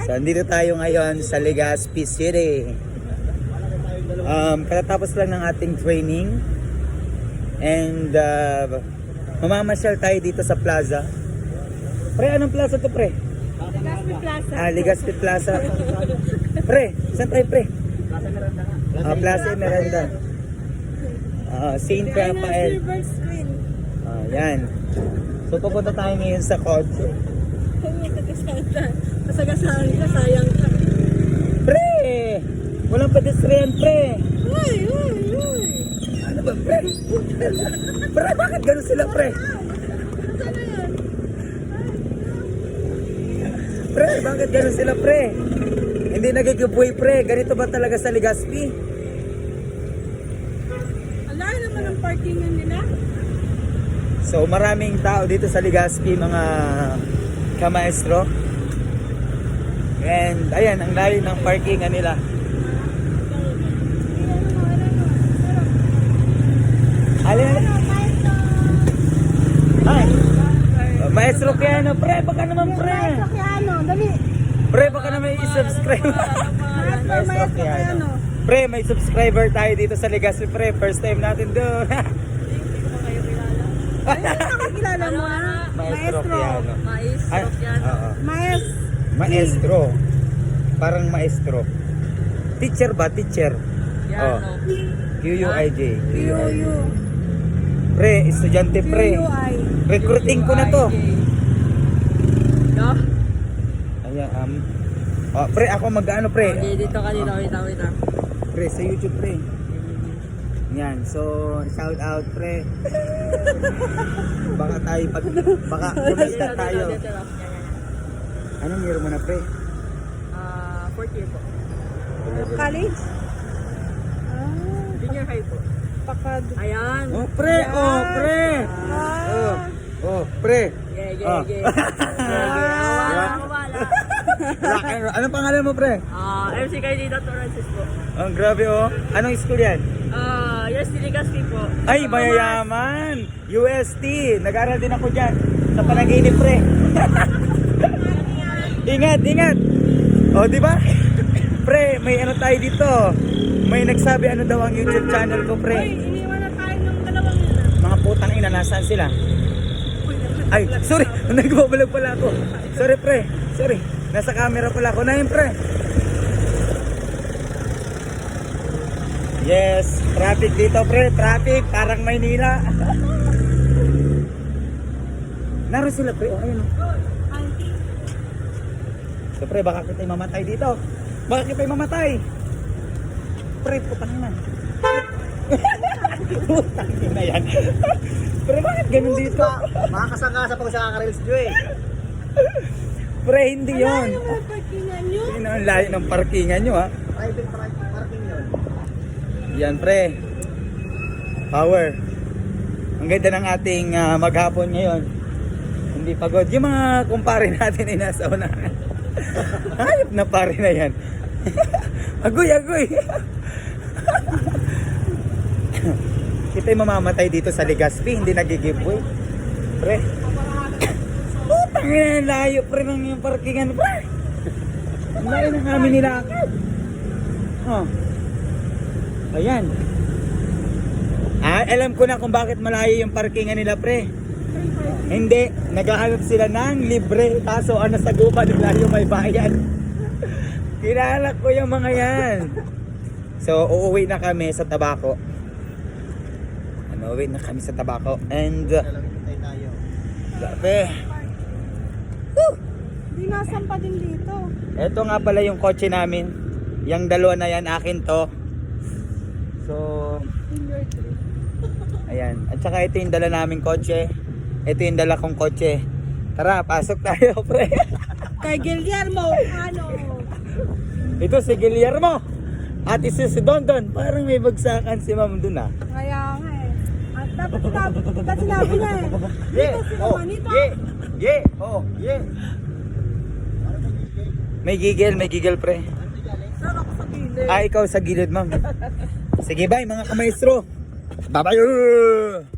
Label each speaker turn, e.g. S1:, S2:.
S1: So, andito tayo ngayon sa Legazpi City. Katatapos lang ng ating training. And mamamasyal tayo dito sa plaza. Pre, anong plaza to, pre?
S2: Legazpi Plaza.
S1: Legazpi Plaza. Pre, saan tayo, pre? Plaza Miranda. Saint Rafael.
S2: Silver screen.
S1: Yan. So, pupunta tayo ngayon sa kotse.
S2: Kasagasahan ka, sayang ka.
S1: Pre! Walang pedestrian, pre!
S2: Uy!
S1: Ano ba, pre? Pre, bakit gano'n sila, pre?
S2: Ano yan?
S1: Pre, bakit gano'n sila, pre? Hindi nagigibuhay, pre. Ganito ba talaga sa Legazpi?
S2: Ang laki naman ang parkingan nila.
S1: So, maraming tao dito sa Legazpi, mga kamaestro. And, ayan, ang layo ng parkingan nila. Alin? Ay! Maestro Keanu, pre, baka naman, pre!
S2: Maestro Keanu, dali.
S1: Pre, baka naman i-subscribe.
S2: Maestro Keanu.
S1: Pre, may subscriber tayo dito sa Legazpi, pre. First time natin doon.
S2: Nakakilala mo na?
S1: Maestro Keanu.
S2: Maestro Keanu.
S1: Oo.
S2: Maestro.
S1: Parang maestro. Teacher ba? Teacher. Oh. QUIJ.
S2: QU.
S1: Pre, estudyante pre.
S2: QUI.
S1: Recruiting ko na to. Ayan, pre, ako mag-ano pre?
S2: Okay, dito ka dito. Wait.
S1: Pre, sa YouTube pre. Yan, so shout out pre. Baka kumita tayo. Anong year mo na pre?
S2: Fourth year po. College? Junior high po. Pakad. Ayan.
S1: Oh pre, pre. Pre.
S2: Yeah.
S1: Anong pangalan mo pre?
S2: MC Carlito Torres po.
S1: Ang grabe oh. Anong school yan?
S2: UST Legazpi po.
S1: Ay, mayayaman! UST! Nag-aral din ako dyan. Sa panaginip, pre. Ingat! O, di ba? Pre, may ano tayo dito. May nagsabi ano daw ang YouTube channel ko, pre.
S2: Iniwan na tayo ng dalawang yun.
S1: Mga putang ina, nasaan sila? Ay, sorry! Nagbabalag pala ako. Sorry, pre. Sorry. Nasa camera pala ako. Na yun, pre. Yes, traffic dito pre, traffic parang Maynila. Naroon sila pre, ayun. So pre, baka kita'y mamatay dito. Baka kita'y mamatay. Pre, putang ina. Putang ina yan. Pre, bakit ganun dito?
S3: Makakasangasa pag sa kakareels nyo eh.
S1: Pre, hindi yun.
S2: Yung mga parkingan nyo.
S1: Yun ang layo ng parkingan nyo ha.
S3: Private parking yun.
S1: Yan pre. Power. Ang ganda ng ating maghapon ngayon. Hindi pagod. Yung mga kumpare natin ay nasa unahan. Hayop na pare na yan. Agoy. Kita'y mamamatay dito sa Legazpi. Hindi nagigiveaway. Pre. Putang ina, layo pre ng yung parkingan. Pre. Ang layo ng amin nilakad. Oh. Ayan. Alam ko na kung bakit malayo yung parkingan nila pre. Hindi, naghahanap sila ng libre. Kaso ano sa gupa nila yung may bayad. Kilala ko yung mga yan. So uuwi na kami sa Tabaco. Uuwi na kami sa Tabaco. And grabe.
S2: Di nasampa din dito.
S1: Ito nga pala yung kotse namin. Yung dalawa na yan akin to. So, ayan. At saka ito yung dala naming kotse. Ito yung dala kong kotse. Tara, pasok tayo, pre.
S2: Kay Guillermo, ano?
S1: Ito si Guillermo. At isa si Dondon. Parang may bagsakan si ma'am dun ah.
S2: Kaya nga eh. At dapat sinabi niya eh. Dito sila manito.
S1: Yeah. May gigil, pre.
S2: Saan ako sa gilid?
S1: Ikaw sa gilid, ma'am. Sige, bye mga kamaestro. Bye-bye.